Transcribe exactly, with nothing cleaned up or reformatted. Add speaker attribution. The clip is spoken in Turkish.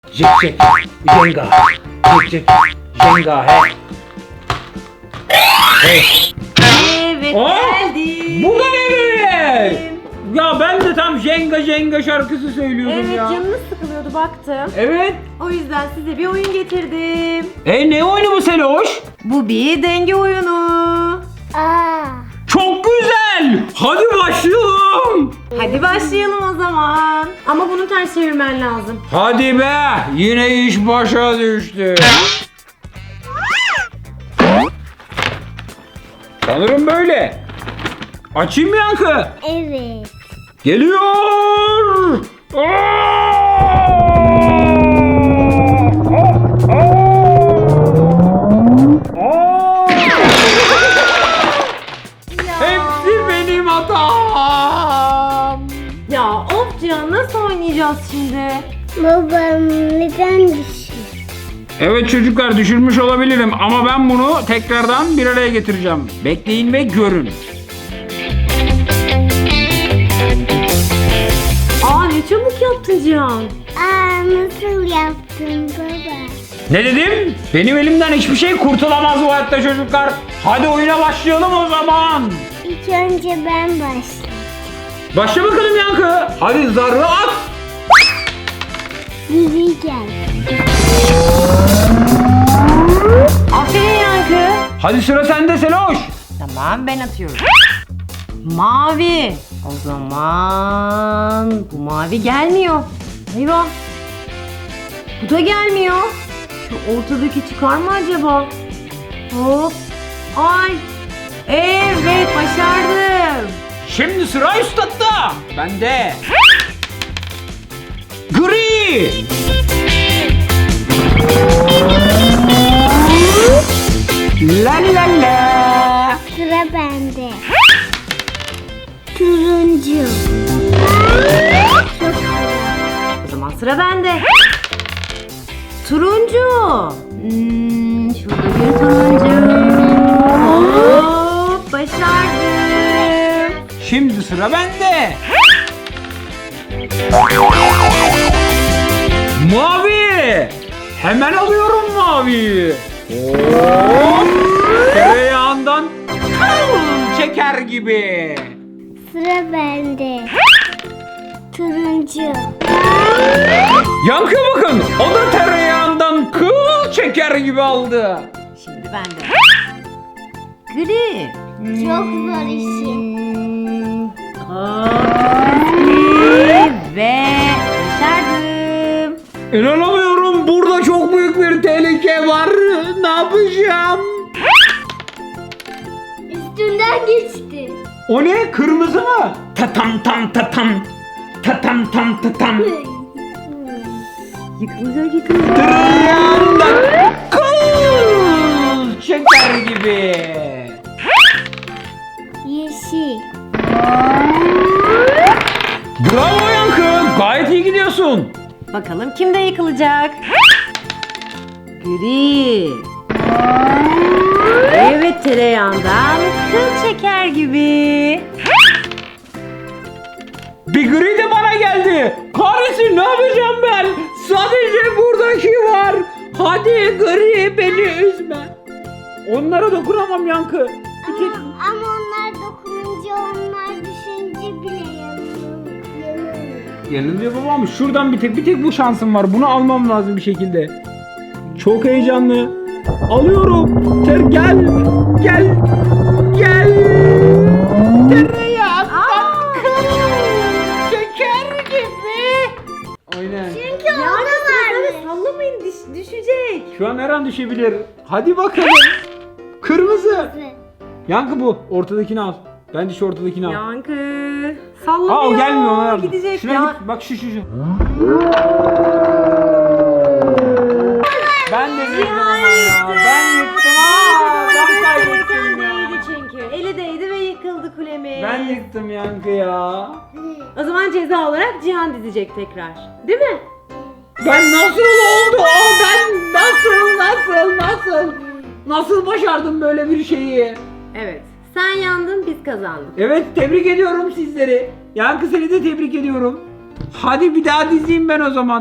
Speaker 1: Cik cik jenga. Cik cik jenga he. Hey.
Speaker 2: Evet
Speaker 1: Aa,
Speaker 2: geldi.
Speaker 1: bu da ne böyle? Ya ben de tam jenga jenga şarkısı söylüyordum
Speaker 2: Evet
Speaker 1: ya.
Speaker 2: canınız sıkılıyordu baktım.
Speaker 1: Evet.
Speaker 2: O yüzden size bir oyun getirdim.
Speaker 1: E ne oyunu bu Seloş?
Speaker 2: Bu bir denge oyunu.
Speaker 3: Aa.
Speaker 1: Çok güzel. Hadi başlayalım.
Speaker 2: Hadi başlayalım o zaman. Ama bunu ters çevirmen lazım.
Speaker 1: Hadi be. Yine iş başa düştü. Sanırım böyle. Açayım mı Yankı?
Speaker 3: Evet.
Speaker 1: Geliyor. Hepsi benim hatam.
Speaker 2: Ya of Cihan nasıl oynayacağız şimdi?
Speaker 3: Babam neden düşüyor?
Speaker 1: Evet çocuklar düşürmüş olabilirim ama ben bunu tekrardan bir araya getireceğim. Bekleyin ve görün.
Speaker 2: Aa ne çabuk yaptın Cihan.
Speaker 3: Aa, nasıl yaptın baba?
Speaker 1: Ne dedim? Benim elimden hiçbir şey kurtulamaz bu hayatta çocuklar. Hadi oyuna başlayalım o zaman.
Speaker 3: İlk önce ben başlayayım.
Speaker 1: Başla bakalım Yankı. Hadi zarı at.
Speaker 3: Biri gel.
Speaker 2: Aferin Yankı.
Speaker 1: Hadi sıra sende Seloş.
Speaker 2: Tamam ben atıyorum. Mavi. O zaman bu mavi gelmiyor. Eyvah. Bu da gelmiyor. Şu ortadaki çıkar mı acaba? Hop. Ay. Evet başardım.
Speaker 1: Şimdi sıra üstadta. Bende. Gri. La la la.
Speaker 3: Sıra bende. Turuncu. Çok
Speaker 2: O zaman sıra bende. Turuncu. Hmm, şurada bir turuncu. Hop başardım.
Speaker 1: Şimdi sıra bende. Mavi. Hemen alıyorum mavi. Hop. Tereyağından kıl çeker gibi.
Speaker 3: Sıra bende. Turuncu.
Speaker 1: Yankı bakın. O da tereyağından kıl çeker gibi aldı.
Speaker 2: Şimdi bende. Gri.
Speaker 3: Çok zor işi.
Speaker 2: Hmm, hop, gri ve başardım.
Speaker 1: İnanamıyorum. Burada çok büyük bir tehlike var. Ne yapacağım?
Speaker 3: Üstünden geçti.
Speaker 1: O ne? Kırmızı mı? Tatam tam tatam. Tatam tam tatam.
Speaker 2: Yıkılacak yıkılacak.
Speaker 1: Tereyağından kıl çeker gibi.
Speaker 3: Yeşil.
Speaker 1: Bravo Yankı. Gayet iyi gidiyorsun.
Speaker 2: Bakalım kimde yıkılacak? Gri. Evet tereyağından kıl çeker gibi.
Speaker 1: Bir gri de bana geldi. Kahretsin ne yapacağım ben? Sadece buradaki var. Hadi gri beni üzme. Onlara dokunamam Yankı. Bir tek...
Speaker 3: Ama, ama onlar dokununca onlar düşünce bile yanıyor. yanıyor.
Speaker 1: Yanılıyor babam. Şuradan bir tek bir tek bu şansım var. Bunu almam lazım bir şekilde. Çok heyecanlı. Alıyorum. Ter gel. Gel. Gel. Tereyağı. Şeker gibi. Aynen.
Speaker 3: Çünkü
Speaker 2: Yani
Speaker 3: orada var.
Speaker 2: sıra sallamayın düş- düşecek.
Speaker 1: Şu an her an düşebilir. Hadi bakalım. Kırmızı. Yankı bu. Ortadakini al. Bence şu ortadakini al.
Speaker 2: Yankı
Speaker 1: Aa
Speaker 2: sallamıyor.
Speaker 1: o gelmiyor ona yardım.
Speaker 2: Gidecek
Speaker 1: Şuna
Speaker 2: ya.
Speaker 1: git. Bak şu şu şu. Ben de yıktım ama ya. Ben yıktım. Aa, ben kaybettim ya.
Speaker 2: Değdi çünkü. Eli değdi ve yıkıldı kulemiz.
Speaker 1: Ben yıktım Yankı ya.
Speaker 2: O zaman ceza olarak Cihan dizecek tekrar. Değil mi?
Speaker 1: Ben nasıl oldu? Aa, ben nasıl nasıl nasıl nasıl başardım böyle bir şeyi?
Speaker 2: Evet. Sen yandın biz kazandık.
Speaker 1: Evet tebrik ediyorum sizleri. Yankı seni de tebrik ediyorum. Hadi bir daha dizeyim ben o zaman.